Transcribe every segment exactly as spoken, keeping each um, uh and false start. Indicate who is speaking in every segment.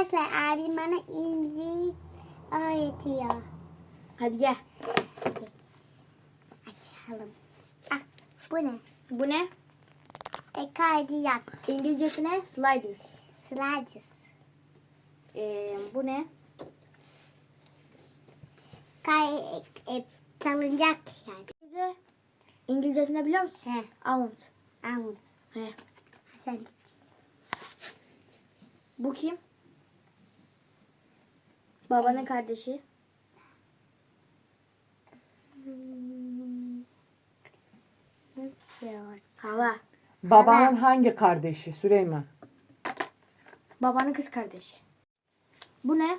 Speaker 1: Arkadaşlar abim bana İncil öğretiyor.
Speaker 2: Hadi gel.
Speaker 1: Hadi. Açalım. Ah, bu ne?
Speaker 2: Bu ne?
Speaker 1: E, kaydıyak.
Speaker 2: İngilizcesi ne? Sliders.
Speaker 1: Sliders.
Speaker 2: Ee, bu ne?
Speaker 1: Kay, e, salıncak yani.
Speaker 2: Bize İngilizcesi ne biliyor musun?
Speaker 1: He.
Speaker 2: Almond.
Speaker 1: Armut.
Speaker 2: He.
Speaker 1: Sen
Speaker 2: Bu kim? Babanın kardeşi.
Speaker 1: Hmm.
Speaker 2: Hava.
Speaker 3: Babanın hangi kardeşi Süleyman?
Speaker 2: Babanın kız kardeşi. Bu ne?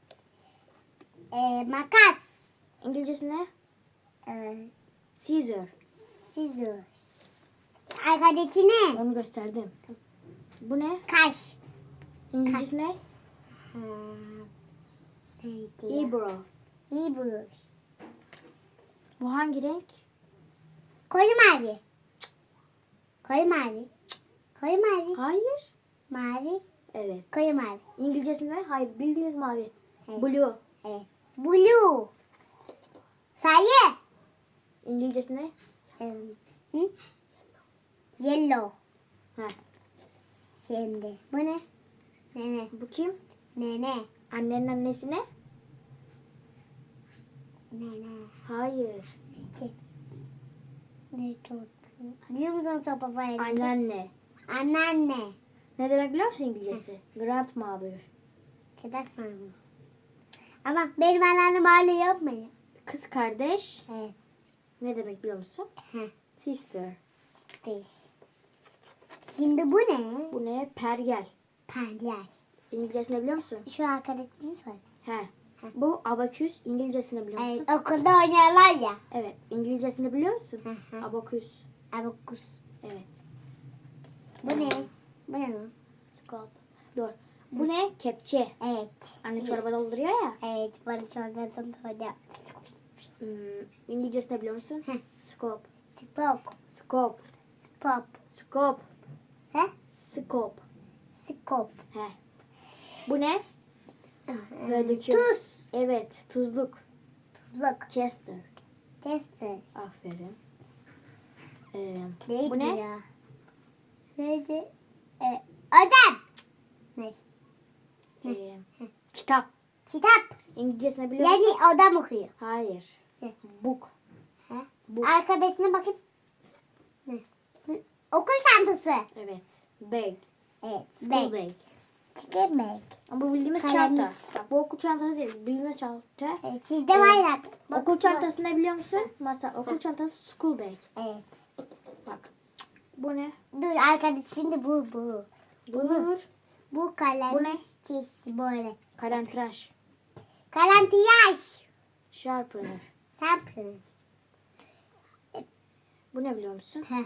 Speaker 1: E, makas.
Speaker 2: İngilizcesi ne?
Speaker 1: E,
Speaker 2: Scissor.
Speaker 1: scissor. Arkadaki ne?
Speaker 2: Onu gösterdim. Bu ne?
Speaker 1: Kaş.
Speaker 2: İngilizcesi ne?
Speaker 1: Ha, neydi ya?
Speaker 2: Eyebrow.
Speaker 1: Hebrew.
Speaker 2: Bu hangi renk?
Speaker 1: Koyu mavi. Koyu mavi. Koyu mavi.
Speaker 2: Hayır.
Speaker 1: Mavi.
Speaker 2: Evet.
Speaker 1: Koyu mavi.
Speaker 2: İngilizcesi ne? Hayır. Bildiğiniz mavi.
Speaker 1: Evet.
Speaker 2: Blue.
Speaker 1: Evet. Blue. Sayı.
Speaker 2: İngilizcesi ne?
Speaker 1: Ee, Hı? Yellow.
Speaker 2: Ha.
Speaker 1: Şimdi. Bu ne? Nene.
Speaker 2: Bu kim?
Speaker 1: Nene.
Speaker 2: Annenin annesi ne?
Speaker 1: Nene.
Speaker 2: Hayır.
Speaker 1: Ne tuttu? Biliyor musun sopa falan?
Speaker 2: Anneanne.
Speaker 1: Anneanne.
Speaker 2: Ne demek biliyor musun İngilizcesi? Grandmother.
Speaker 1: Kıdas mı? Ama benim anneannem öyle yapmıyor.
Speaker 2: Kız kardeş.
Speaker 1: Evet.
Speaker 2: Ne demek biliyor musun?
Speaker 1: Heh.
Speaker 2: Sister.
Speaker 1: This. Şimdi bu ne?
Speaker 2: Bu ne? Pergel.
Speaker 1: Pancar.
Speaker 2: İngilizcesini biliyor musun?
Speaker 1: Şu arkadaşını söyle.
Speaker 2: He. Bu abaküs. İngilizcesini biliyor musun?
Speaker 1: Evet, okulda oynuyorlar ya.
Speaker 2: Evet. İngilizcesini biliyor musun?
Speaker 1: Hı hı.
Speaker 2: Abaküs.
Speaker 1: Abakus.
Speaker 2: Evet.
Speaker 1: Bu ne? Bu ne lan?
Speaker 2: Scope. Dur. Bu ne? Kepçe.
Speaker 1: Evet.
Speaker 2: Anne çorba dolduruyor ya.
Speaker 1: Evet, bana çorbasını söyle.
Speaker 2: Hmm, İngilizcesini biliyor musun?
Speaker 1: Hı.
Speaker 2: Scope.
Speaker 1: Spok.
Speaker 2: Scope.
Speaker 1: Spop.
Speaker 2: Scope.
Speaker 1: He?
Speaker 2: Scope.
Speaker 1: Skop.
Speaker 2: He. Bu ne? Böyle döküyoruz.
Speaker 1: Tuz.
Speaker 2: Evet. Tuzluk.
Speaker 1: Tuzluk.
Speaker 2: Chester.
Speaker 1: Tester.
Speaker 2: Aferin. Ee,
Speaker 1: Neydi
Speaker 2: bu ne?
Speaker 1: ya? Neydi? E, ödem. Ne?
Speaker 2: Ee, kitap.
Speaker 1: Kitap.
Speaker 2: İngilizcesini biliyor musun?
Speaker 1: Yani odam okuyor.
Speaker 2: Hayır.
Speaker 1: Ne?
Speaker 2: Book.
Speaker 1: He?
Speaker 2: Bu.
Speaker 1: Arkadaşına bakayım. Ne? Hı, okul çantası.
Speaker 2: Evet. Bag.
Speaker 1: Evet.
Speaker 2: School
Speaker 1: Bag.
Speaker 2: bag.
Speaker 1: Ticket bag.
Speaker 2: Ama bu bildiğimiz
Speaker 1: Kalemlik.
Speaker 2: çanta. Bak bu okul çantası değil. Bildiğimiz çanta.
Speaker 1: Evet, sizde var ya. Bak,
Speaker 2: Okul
Speaker 1: bak.
Speaker 2: çantası ne biliyor musun? Masa. Okul çantası school bag.
Speaker 1: Evet.
Speaker 2: Bak. Bu ne?
Speaker 1: Dur arkadaş şimdi bu bu.
Speaker 2: Dur.
Speaker 1: Bu kalem.
Speaker 2: Bu ne?
Speaker 1: Çiz böyle.
Speaker 2: Kalemtıraş.
Speaker 1: Kalem tıraş.
Speaker 2: Sharpener.
Speaker 1: Sample.
Speaker 2: Bu ne biliyor musun?
Speaker 1: Heh.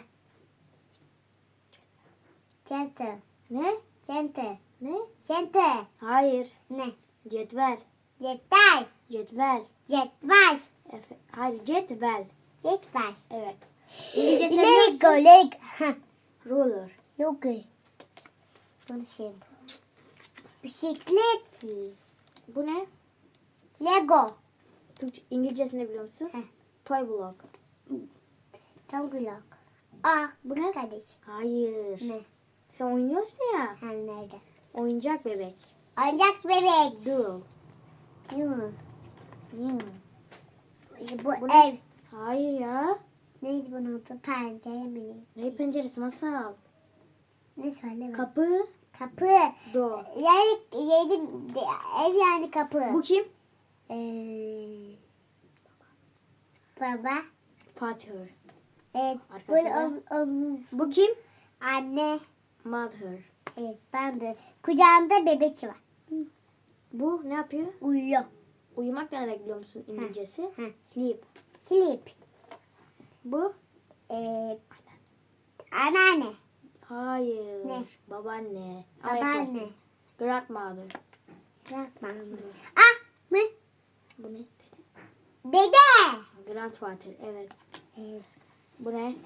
Speaker 1: Center.
Speaker 2: Ne?
Speaker 1: Center.
Speaker 2: Ne?
Speaker 1: Center.
Speaker 2: Hayır.
Speaker 1: Ne?
Speaker 2: Cetvel.
Speaker 1: Cetvel.
Speaker 2: Cetvel.
Speaker 1: Cetvel.
Speaker 2: Efe. Hayır. Cetvel.
Speaker 1: Cetvel.
Speaker 2: Evet. İngilizcesini biliyor
Speaker 1: Lego.
Speaker 2: musun?
Speaker 1: Lego. Heh.
Speaker 2: Ruler.
Speaker 1: Lego. Bunu şey. Bisiklet.
Speaker 2: Bu ne?
Speaker 1: Lego.
Speaker 2: Türkçe, İngilizcesini biliyor musun?
Speaker 1: Heh.
Speaker 2: Toy block.
Speaker 1: Tam kulak. Aa,
Speaker 2: Bu ne?
Speaker 1: kardeş.
Speaker 2: Hayır.
Speaker 1: Ne?
Speaker 2: Sen oynuyorsun ya.
Speaker 1: Ha, nerede?
Speaker 2: Oyuncak bebek.
Speaker 1: Oyuncak bebek.
Speaker 2: Doll.
Speaker 1: Yuh.
Speaker 2: Hmm.
Speaker 1: Bu,
Speaker 2: Bu ne?
Speaker 1: ev.
Speaker 2: Hayır ya.
Speaker 1: Neydi bunun adı? Pencere mi?
Speaker 2: Ne penceresi masal.
Speaker 1: Ne söyle bak.
Speaker 2: Kapı.
Speaker 1: Kapı.
Speaker 2: Door.
Speaker 1: Yani yedi, ev yani kapı.
Speaker 2: Bu kim?
Speaker 1: Ee, baba.
Speaker 2: Father.
Speaker 1: Evet.
Speaker 2: Arkasında.
Speaker 1: Bu, o, o-
Speaker 2: Bu kim?
Speaker 1: anne.
Speaker 2: Mother.
Speaker 1: Evet ben de. Kucağında bebek var.
Speaker 2: Bu ne yapıyor?
Speaker 1: Uyuyor.
Speaker 2: Uyumak ne demek biliyor musun İngilizcesi?
Speaker 1: Hı.
Speaker 2: Sleep.
Speaker 1: Sleep.
Speaker 2: Bu?
Speaker 1: Ee, anneanne.
Speaker 2: Hayır.
Speaker 1: Ne?
Speaker 2: Babaanne. Ama
Speaker 1: Babaanne.
Speaker 2: yaklaştın. Grandmother.
Speaker 1: Yapma. Ah mı?
Speaker 2: Bu ne?
Speaker 1: Dede.
Speaker 2: Grandfather. Evet.
Speaker 1: Evet.
Speaker 2: Bu ne?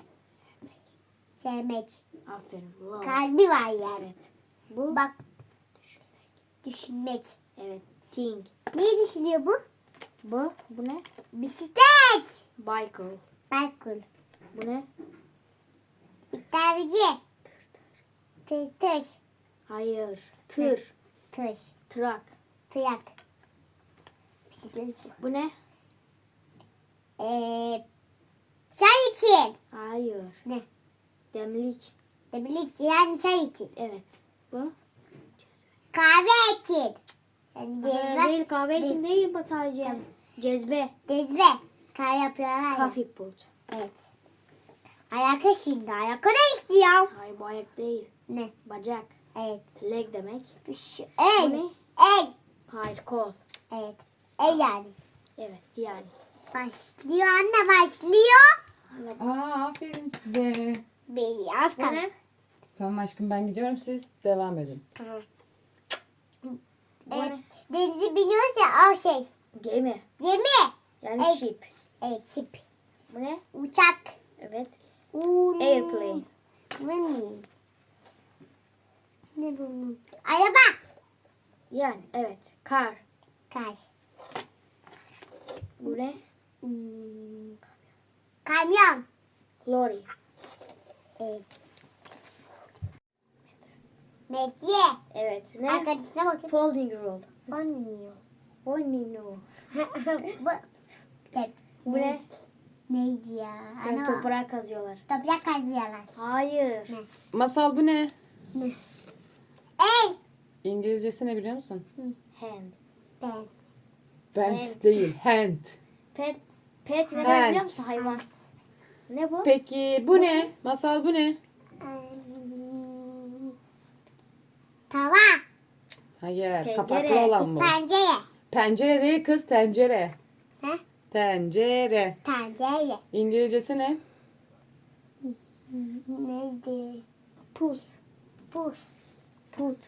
Speaker 1: Sevmek.
Speaker 2: Aferin. Love.
Speaker 1: Kalbi var yani.
Speaker 2: Evet. Bu?
Speaker 1: Bak. Düşünmek.
Speaker 2: Evet. Think.
Speaker 1: Neyi düşünüyor bu?
Speaker 2: Bu. Bu ne?
Speaker 1: Bisiklet.
Speaker 2: Bicycle.
Speaker 1: Balkon.
Speaker 2: Bu ne?
Speaker 1: İddiavici. Tır tır.
Speaker 2: Hayır. Tır.
Speaker 1: Tır.
Speaker 2: Truck.
Speaker 1: Tıyak. Bisiklet.
Speaker 2: Bu ne?
Speaker 1: Ee, çay için.
Speaker 2: Hayır.
Speaker 1: Ne?
Speaker 2: Demlik.
Speaker 1: Demlik yani çay için.
Speaker 2: Evet. Bu?
Speaker 1: Kahve için. Yani
Speaker 2: Cezve
Speaker 1: cezve.
Speaker 2: değil, kahve için değil bu sadece.
Speaker 1: Tamam.
Speaker 2: Cezve.
Speaker 1: Cezve. Kahve yapıyorlar ya.
Speaker 2: Coffee pot.
Speaker 1: Evet. Ayakı şimdi. Ayakı ne istiyor?
Speaker 2: Hayır bu ayak değil.
Speaker 1: Ne?
Speaker 2: Bacak.
Speaker 1: Evet.
Speaker 2: Leg demek.
Speaker 1: Şu,
Speaker 2: Bu
Speaker 1: el.
Speaker 2: ne?
Speaker 1: El.
Speaker 2: Hayır kol.
Speaker 1: Evet. El yani.
Speaker 2: Evet yani.
Speaker 1: Başlıyor anne başlıyor.
Speaker 3: Aa, aferin size.
Speaker 1: Beyaz
Speaker 2: Bu
Speaker 1: kaldı.
Speaker 2: ne?
Speaker 3: Tamam aşkım ben gidiyorum, siz devam edin.
Speaker 1: Tamam.
Speaker 2: Bu
Speaker 1: Evet.
Speaker 2: ne?
Speaker 1: Denizi biniyorsa o şey.
Speaker 2: Gemi.
Speaker 1: Gemi.
Speaker 2: Yani
Speaker 1: Evet.
Speaker 2: ship.
Speaker 1: Evet şip.
Speaker 2: Bu ne?
Speaker 1: Uçak.
Speaker 2: Evet.
Speaker 1: Uuu.
Speaker 2: Airplane.
Speaker 1: Bu ne? Ne bunun? Araba.
Speaker 2: Yani evet. Car.
Speaker 1: Kar.
Speaker 2: Bu ne?
Speaker 1: Hmm. Kamyon.
Speaker 2: Lorry.
Speaker 1: Evet. Metiye.
Speaker 2: Evet. Ne?
Speaker 1: Arkadaşına bakın.
Speaker 2: Folding roll.
Speaker 1: Fonmuyor.
Speaker 2: Folding roll.
Speaker 1: Bu. Evet.
Speaker 2: Bu ne?
Speaker 1: Neydi ya?
Speaker 2: Böyle
Speaker 1: Ana.
Speaker 2: toprağa kazıyorlar.
Speaker 1: Toprak kazıyorlar.
Speaker 2: Hayır.
Speaker 1: Ne?
Speaker 3: Masal bu ne?
Speaker 1: El.
Speaker 3: İngilizcesi ne biliyor musun?
Speaker 2: Hand.
Speaker 1: Ben.
Speaker 3: Bent
Speaker 2: Hand.
Speaker 3: değil, hand.
Speaker 2: Pet. Pet ne
Speaker 3: Hand.
Speaker 2: demek biliyor musun? Hayvan. Ne bu?
Speaker 3: Peki bu ne? Masal bu ne?
Speaker 1: Hmm. Tava.
Speaker 3: Hayır,
Speaker 2: Pencere,
Speaker 3: kapaklı olan bu.
Speaker 1: Pencere.
Speaker 3: Pencere değil kız, tencere.
Speaker 1: Ha?
Speaker 3: Tencere.
Speaker 1: Tencere.
Speaker 3: İngilizcesi ne?
Speaker 1: Neydi?
Speaker 2: Put.
Speaker 1: Buz.
Speaker 2: Put.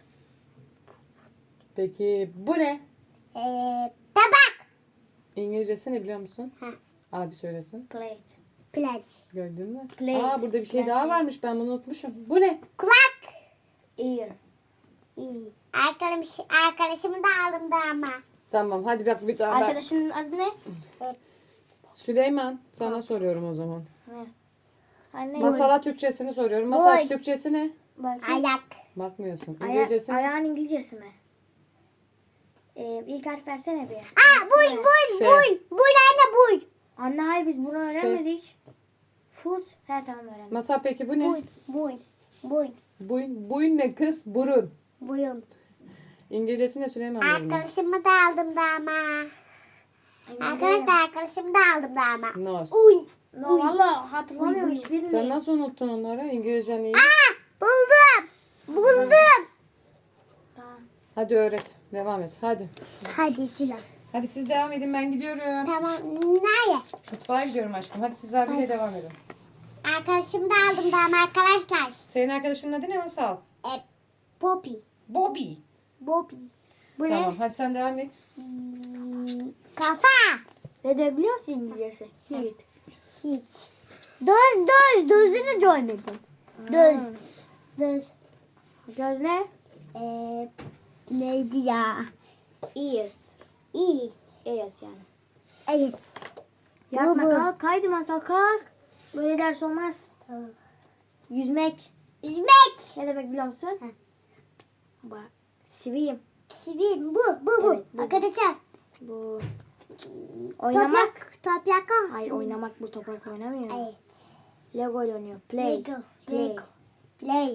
Speaker 3: Peki bu ne?
Speaker 1: Ee, tabak.
Speaker 3: İngilizcesi ne biliyor musun?
Speaker 1: Ha.
Speaker 3: Abi söylesin.
Speaker 2: Plate.
Speaker 1: Plaj.
Speaker 3: Gördün mü?
Speaker 2: Plate.
Speaker 3: Aa, burada bir şey
Speaker 2: Plate.
Speaker 3: daha varmış, ben bunu unutmuşum. Bu ne?
Speaker 1: Kulak.
Speaker 2: Ear.
Speaker 1: İyi. Arkadaş, arkadaşımı da aldım da ama.
Speaker 3: Tamam hadi bak bir daha ben.
Speaker 2: Arkadaşının adı ne?
Speaker 3: Süleyman, sana soruyorum o zaman.
Speaker 2: Ne? Anne.
Speaker 3: Masala Türkçesini soruyorum. Masal
Speaker 1: Boy.
Speaker 3: Türkçesi ne?
Speaker 2: Bakayım.
Speaker 1: Ayak.
Speaker 3: Bakmıyorsun.
Speaker 2: Aya-
Speaker 3: İngilizcesi ne?
Speaker 2: ayağın İngilizcesi mi? Ee, ilk harf versene bir.
Speaker 1: Aa buy buy
Speaker 3: F.
Speaker 1: buy. Buy anne buy.
Speaker 2: Anne hayır biz bunu öğrenmedik. Foot. He tamam öğrendim.
Speaker 3: Masal peki bu ne?
Speaker 1: Buy buy. Buy.
Speaker 3: Buy, buy ne kız? Burun.
Speaker 1: Buyum.
Speaker 3: İngilizcesi ne Süleyman? Burun.
Speaker 1: Arkadaşımı da aldım da ama. Arkadaşlar arkadaşımı da aldım da ama.
Speaker 3: Nose.
Speaker 1: Uy.
Speaker 2: No valla hatırlamıyorum hiçbirini.
Speaker 3: Sen nasıl unuttun onları? İngilizcen iyi.
Speaker 1: Aa buldum. Buldum.
Speaker 2: Tamam.
Speaker 3: Hadi öğret. Devam et. Hadi.
Speaker 1: Hadi Sıla.
Speaker 3: Hadi siz devam edin, ben gidiyorum.
Speaker 1: Tamam. Nereye?
Speaker 3: Mutfağa gidiyorum aşkım. Hadi siz abiyle devam edin.
Speaker 1: Arkadaşımı da aldım da ama arkadaşlar.
Speaker 3: Senin arkadaşının adı ne Masal?
Speaker 1: E, Poppy.
Speaker 3: Bobby.
Speaker 1: Bobby.
Speaker 2: Bu
Speaker 3: Tamam
Speaker 2: ne?
Speaker 3: hadi sen devam et.
Speaker 1: Hmm, kafa.
Speaker 2: Ne de biliyorsun İngilizcesi? Hiç.
Speaker 1: Hiç. Doz doz. Dozunu görmedim. Doz. Doz.
Speaker 2: Göz ne?
Speaker 1: Ee, neydi ya?
Speaker 2: Ears.
Speaker 1: İyiyiz.
Speaker 2: Ears yani.
Speaker 1: Evet.
Speaker 2: Yapma
Speaker 1: Bu, bu.
Speaker 2: kalk. Kaydı masal kalk. Böyle ders olmaz.
Speaker 1: Tamam.
Speaker 2: Yüzmek.
Speaker 1: Üzmek.
Speaker 2: Ne demek biliyor musun?
Speaker 1: Heh.
Speaker 2: Bak. Swim.
Speaker 1: Sivim. Bu. Bu. Bu.
Speaker 2: Evet, bu.
Speaker 1: Arkadaşlar.
Speaker 2: Bu. Oynamak.
Speaker 1: Toprak. Toprak. o.
Speaker 2: Hayır oynamak bu toprak oynamıyor.
Speaker 1: Evet.
Speaker 2: Lego ile oynuyor. Play.
Speaker 1: Lego.
Speaker 2: Play.
Speaker 1: Lego. Play.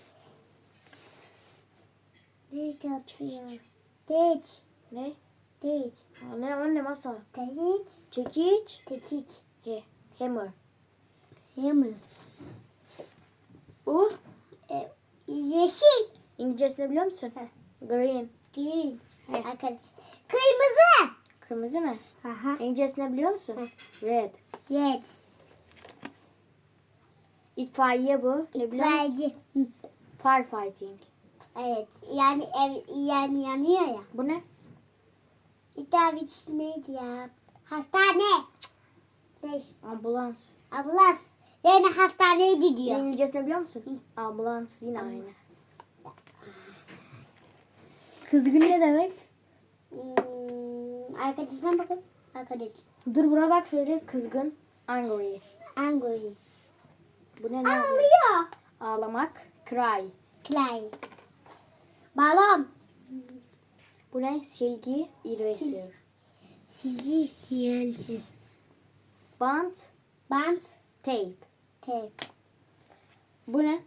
Speaker 1: Nerede atıyor? Geç.
Speaker 2: Ne?
Speaker 1: Geç.
Speaker 2: Aa, Ne o ne masal?
Speaker 1: Geç.
Speaker 2: Çekiç.
Speaker 1: Teçiç.
Speaker 2: He. Hammer.
Speaker 1: Hammer.
Speaker 2: Bu.
Speaker 1: E, yeşil.
Speaker 2: İngilizcesini biliyor musun? Green.
Speaker 1: Green.
Speaker 2: He.
Speaker 1: Arkadaş. Kırmızı.
Speaker 2: Kırmızı mı?
Speaker 1: Aha.
Speaker 2: İngilizcesini biliyor musun? Red.
Speaker 1: Yes.
Speaker 2: İtfaiye bu. Ne biliyor musun?
Speaker 1: İtfaiyeci. Hı.
Speaker 2: Firefighting.
Speaker 1: Evet. Yani ev yani yanıyor ya.
Speaker 2: Bu ne?
Speaker 1: İtfaiyeci neydi ya? Hastane. Ne?
Speaker 2: Ambulans.
Speaker 1: Ambulans. Yani hastaneye gidiyor.
Speaker 2: İngilizcesini biliyor musun? Ambulans yine aynı. Kızgın ne demek?
Speaker 1: Hmm, arkadaşına bakın. Arkadaş.
Speaker 2: Dur buna bak söyle. Kızgın. Angry.
Speaker 1: Angry.
Speaker 2: Bu ne? Ne yapıyor?
Speaker 1: Ağlıyor.
Speaker 2: Ağlamak. Cry.
Speaker 1: Clay. Balon.
Speaker 2: Bu ne? Silgi. Eraser.
Speaker 1: Sizi gelsin.
Speaker 2: Band.
Speaker 1: Bant.
Speaker 2: Tape.
Speaker 1: Tek.
Speaker 2: Bu ne?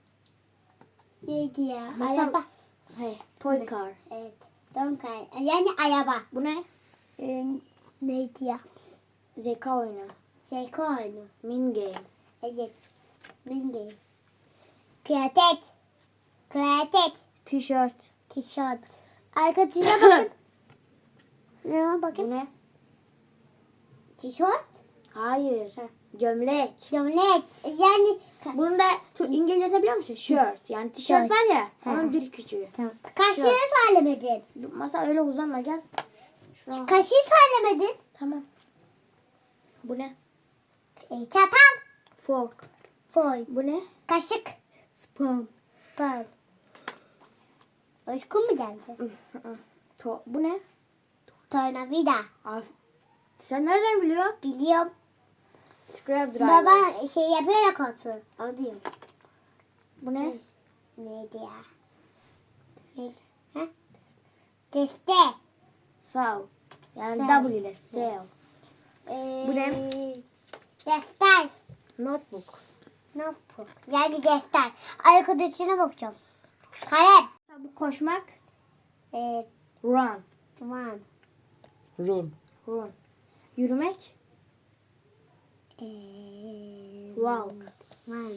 Speaker 1: Neydi ya?
Speaker 2: Masal-
Speaker 1: Araba.
Speaker 2: Hey, toy car.
Speaker 1: Evet. Donkay. Yani araba.
Speaker 2: Bu ne?
Speaker 1: Ee, neydi ya?
Speaker 2: Zeka oyunu.
Speaker 1: Seko oyunu.
Speaker 2: Min game.
Speaker 1: Evet. Mingi. Kıyafet. Kıyafet.
Speaker 2: T-shirt.
Speaker 1: Tişört. Arkadaşına bakın. Ne
Speaker 2: Bu
Speaker 1: bakın?
Speaker 2: ne?
Speaker 1: Tişört.
Speaker 2: Hayır. Gömlek.
Speaker 1: Gömlek. Yani
Speaker 2: Bunun da tu- İngilizce biliyor musun? Shirt. Yani tişört
Speaker 1: Shirt.
Speaker 2: var ya.
Speaker 1: Hı.
Speaker 2: Onun bir küçüğü.
Speaker 1: tamam. Kaşığı
Speaker 2: Tişört.
Speaker 1: söylemedin.
Speaker 2: Masa öyle uzanma gel. Şuraya.
Speaker 1: Kaşığı söylemedin.
Speaker 2: Tamam. Bu ne?
Speaker 1: E, çatal.
Speaker 2: Fork.
Speaker 1: Foy.
Speaker 2: Bu ne?
Speaker 1: Kaşık.
Speaker 2: Spoon.
Speaker 1: Spoon. Uykun mu geldi?
Speaker 2: To bu ne?
Speaker 1: Tornavida.
Speaker 2: Af Sen nereden biliyorsun?
Speaker 1: Biliyorum.
Speaker 2: Screwdriver.
Speaker 1: Baba şey yapıyor ya koltuğu. Onu diyorum.
Speaker 2: Bu ne?
Speaker 1: Neydi ya? Ne? Ha? Teste.
Speaker 2: Saw. Yani
Speaker 1: Saw.
Speaker 2: W ile saw.
Speaker 1: Ee,
Speaker 2: Bu ne?
Speaker 1: Defter.
Speaker 2: Notebook.
Speaker 1: Notebook. Yani defter. Arkadaşına bakacağım. Kalem.
Speaker 2: Bu koşmak.
Speaker 1: Ee,
Speaker 2: Run.
Speaker 1: tamam.
Speaker 3: Run.
Speaker 2: Run. Yürümek.
Speaker 1: Ee,
Speaker 2: Walk.
Speaker 1: Tamam.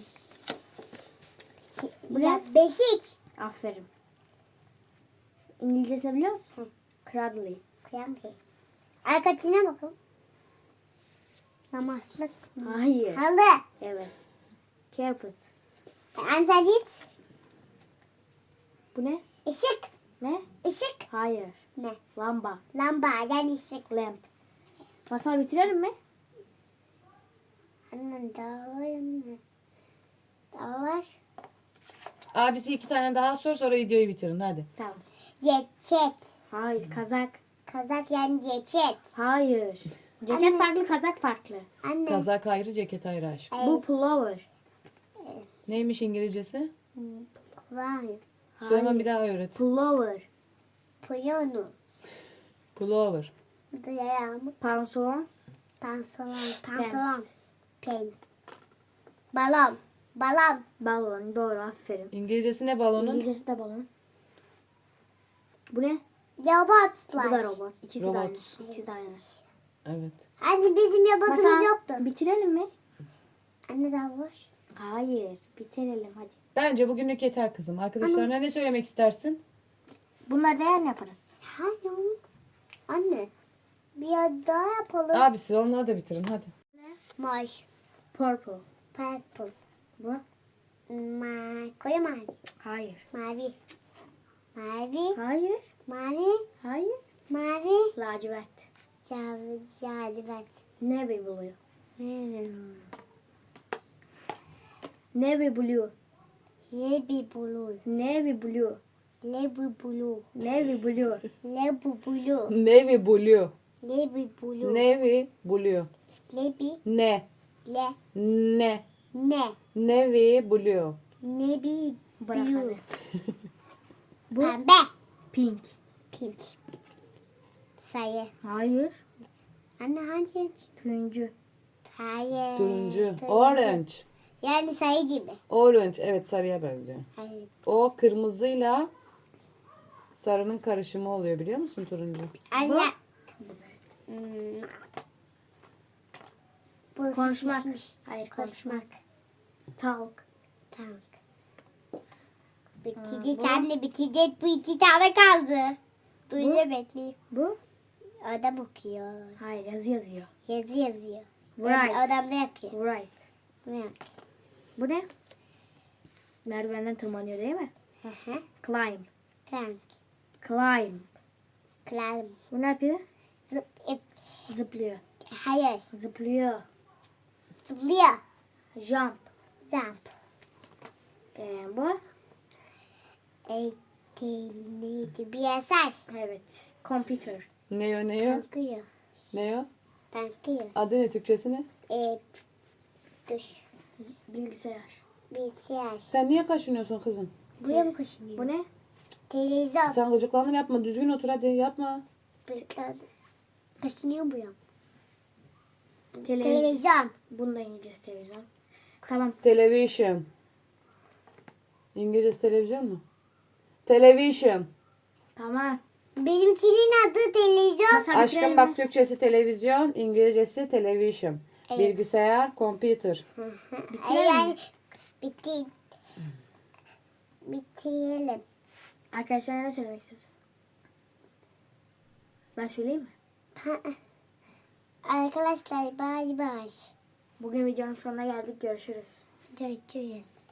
Speaker 1: Şey,
Speaker 2: Bu
Speaker 1: ya,
Speaker 2: ne?
Speaker 1: beşik.
Speaker 2: Aferin. İngilizcesini biliyor musun?
Speaker 1: Hı.
Speaker 2: Cradle.
Speaker 1: Kıyam ki. Arkadaşına bakın. Namazlık.
Speaker 2: Hayır.
Speaker 1: Halı.
Speaker 2: Evet. Carpet.
Speaker 1: Anzalit.
Speaker 2: Bu ne?
Speaker 1: Işık.
Speaker 2: Ne?
Speaker 1: Işık.
Speaker 2: Hayır.
Speaker 1: Ne?
Speaker 2: Lamba.
Speaker 1: Lamba. Yani ışık.
Speaker 2: Lamp. Masal bitirelim mi?
Speaker 1: Annem dağılır mı? Dağılır.
Speaker 3: Abisi iki tane daha sor sonra videoyu bitirin hadi.
Speaker 2: Tamam.
Speaker 1: Ceket.
Speaker 2: Hayır. Kazak.
Speaker 1: Kazak yani ceket.
Speaker 2: Hayır. Ceket
Speaker 1: Anne.
Speaker 2: farklı, kazak farklı.
Speaker 1: Anne.
Speaker 3: Kazak ayrı, ceket ayrı aşk.
Speaker 1: Evet.
Speaker 2: Bu pullover.
Speaker 3: Neymiş İngilizcesi?
Speaker 1: Var.
Speaker 3: Süleyman bir daha öğret.
Speaker 2: Pullover.
Speaker 1: Piyano.
Speaker 3: Pullover.
Speaker 1: Duyarım.
Speaker 2: Pantolon.
Speaker 1: Pantolon. Pantolon.
Speaker 2: Pants.
Speaker 1: Pants. Balon. Balon.
Speaker 2: Balon. Doğru. Aferin.
Speaker 3: İngilizcesi ne balonun?
Speaker 2: İngilizcesi de balon. Bu ne?
Speaker 1: Robotlar.
Speaker 2: Bu da robot. İkisi de
Speaker 3: Robot.
Speaker 2: aynı. İkisi de aynı.
Speaker 3: Evet.
Speaker 1: Anne bizim robotumuz
Speaker 2: Masal,
Speaker 1: yoktu.
Speaker 2: bitirelim mi?
Speaker 1: Anne daha var.
Speaker 2: Hayır. Bitirelim hadi.
Speaker 3: Bence bugünlük yeter kızım. Arkadaşlarına ne söylemek istersin?
Speaker 2: Bunları da yarın yaparız.
Speaker 1: Hayır. Anne. Bir yer daha yapalım.
Speaker 3: Abisi onları da bitirin hadi.
Speaker 1: Maş.
Speaker 2: Purple.
Speaker 1: Purple.
Speaker 2: Bu?
Speaker 1: Ma koyu mavi.
Speaker 2: Hayır.
Speaker 1: Mavi. Mavi.
Speaker 2: Hayır.
Speaker 1: Mavi.
Speaker 2: Hayır.
Speaker 1: Mavi.
Speaker 2: Lacivert.
Speaker 1: Cavi. Cazibet.
Speaker 2: Navy blue.
Speaker 1: Hmm.
Speaker 2: Navy blue.
Speaker 1: Lebi blue.
Speaker 2: Navy blue.
Speaker 1: Lebi blue.
Speaker 2: Navy blue.
Speaker 1: Lebi blue.
Speaker 3: Navy blue.
Speaker 1: Lebi blue.
Speaker 3: Navy blue.
Speaker 1: Lebi.
Speaker 3: Ne?
Speaker 1: Le.
Speaker 3: Ne?
Speaker 1: Ne.
Speaker 3: Navy blue.
Speaker 1: Nebi
Speaker 2: Bırak
Speaker 1: blue.
Speaker 2: hadi. Bu
Speaker 1: Pembe.
Speaker 2: pink.
Speaker 1: Pink. Sayı.
Speaker 2: Hayır.
Speaker 1: Anne hangi renk?
Speaker 2: Turuncu.
Speaker 1: Hayır.
Speaker 3: Turuncu. Orange.
Speaker 1: Yani sayı gibi.
Speaker 3: Orange. Evet sarıya benziyor.
Speaker 1: Hayır.
Speaker 3: O kırmızıyla sarının karışımı oluyor biliyor musun turuncu?
Speaker 1: Anne.
Speaker 2: Bu?
Speaker 1: Hmm. Bu
Speaker 2: Konuşmak.
Speaker 1: şişmiş.
Speaker 2: Hayır konuşmak.
Speaker 1: Konuşmak.
Speaker 2: Talk.
Speaker 1: Tamam.
Speaker 2: Ha,
Speaker 1: Bitecek
Speaker 2: bu?
Speaker 1: anne bitecek. Bu iki tane kaldı. Duyuyor bekliyor.
Speaker 2: Bu?
Speaker 1: Adam okuyor.
Speaker 2: Hayır yazı yazıyor.
Speaker 1: Yazı yazıyor.
Speaker 2: Right.
Speaker 1: Adam da yakıyor.
Speaker 2: Right.
Speaker 1: Ne yakıyor?
Speaker 2: Bu ne? Merdivenden tırmanıyor değil mi?
Speaker 1: Hı hı.
Speaker 2: Climb.
Speaker 1: Crank.
Speaker 2: Climb.
Speaker 1: Climb.
Speaker 2: Bu ne yapıyor?
Speaker 1: Zıp, ip.
Speaker 2: Zıplıyor.
Speaker 1: Hayır.
Speaker 2: Zıplıyor.
Speaker 1: Zıplıyor.
Speaker 2: Jump.
Speaker 1: Jump.
Speaker 2: Ee, bu?
Speaker 1: E, Tel- neydi? Bir eser.
Speaker 2: Evet. Computer.
Speaker 3: Ne o ne o?
Speaker 1: Bakıyor.
Speaker 3: Ne o?
Speaker 1: Bakıyor.
Speaker 3: Adı ne, Türkçesi ne?
Speaker 1: Ee, dur.
Speaker 2: Bilgisayar.
Speaker 1: Bilgisayar.
Speaker 3: Sen niye kaşınıyorsun kızım?
Speaker 1: Buraya mı koşuyor?
Speaker 2: Bu ne?
Speaker 1: Televizyon.
Speaker 3: Sen gıcıklandın, yapma. Düzgün otur hadi, yapma.
Speaker 1: Bekle. Kaşınıyor buraya.
Speaker 2: Televizyon.
Speaker 1: Televizyon.
Speaker 2: Bunu da İngilizcesi televizyon. Tamam.
Speaker 3: Television. İngilizcesi televizyon mu? Television.
Speaker 2: Tamam.
Speaker 1: Benimkinin adı televizyon.
Speaker 2: Masa
Speaker 3: Aşkım
Speaker 2: bitirelim
Speaker 3: bak,
Speaker 2: mi?
Speaker 3: Türkçesi televizyon, İngilizcesi television.
Speaker 1: Evet.
Speaker 3: Bilgisayar, computer.
Speaker 2: Bitirelim
Speaker 1: Yani
Speaker 2: mi?
Speaker 1: bitti. Bitirelim.
Speaker 2: Arkadaşlar ne söylemek istiyorsun? Ben söyleyeyim mi?
Speaker 1: Arkadaşlar bay bay.
Speaker 2: Bugün videonun sonuna geldik. Görüşürüz.
Speaker 1: Görüşürüz.